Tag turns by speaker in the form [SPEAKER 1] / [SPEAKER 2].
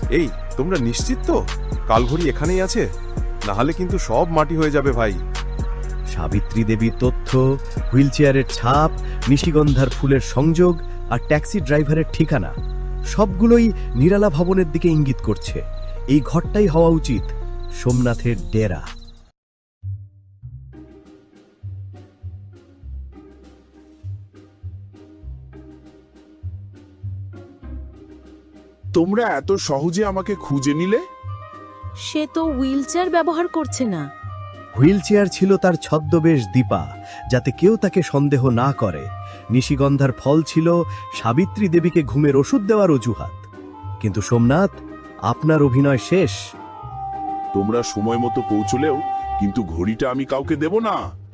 [SPEAKER 1] এই, তোমরা নিশ্চিত তো কালঘড়ি এখানেই আছে? না হলে কিন্তু সব মাটি হয়ে যাবে ভাই।
[SPEAKER 2] সাবিত্রী দেবীর তথ্য, হুইলচেয়ারের ছাপ, নিশিগন্ধার ফুলের সংযোগ আর ট্যাক্সি ড্রাইভারের ঠিকানা সবগুলোই নিরালা ভবনের দিকে ইঙ্গিত করছে এই ঘরটাই হওয়া উচিত সোমনাথের ডেরা।
[SPEAKER 3] তোমরা এত সহজে আমাকে খুঁজে নিলে?
[SPEAKER 4] সে তো হুইলচেয়ার ব্যবহার করছে না।
[SPEAKER 2] হুইলচেয়ার ছিল তার ছদ্মবেশ দীপা, যাতে কেউ তাকে সন্দেহ না করে। নিশিগন্ধার ফল ছিল সাবিত্রী দেবীকে ঘুমের ওষুধ দেওয়ার অজুহাত। কিন্তু সোমনাথ, আপনার অভিনয় শেষ।
[SPEAKER 3] তোমরা সময় মতো পৌঁছলেও কিন্তু ঘড়িটা আমি কাউকে দেব না।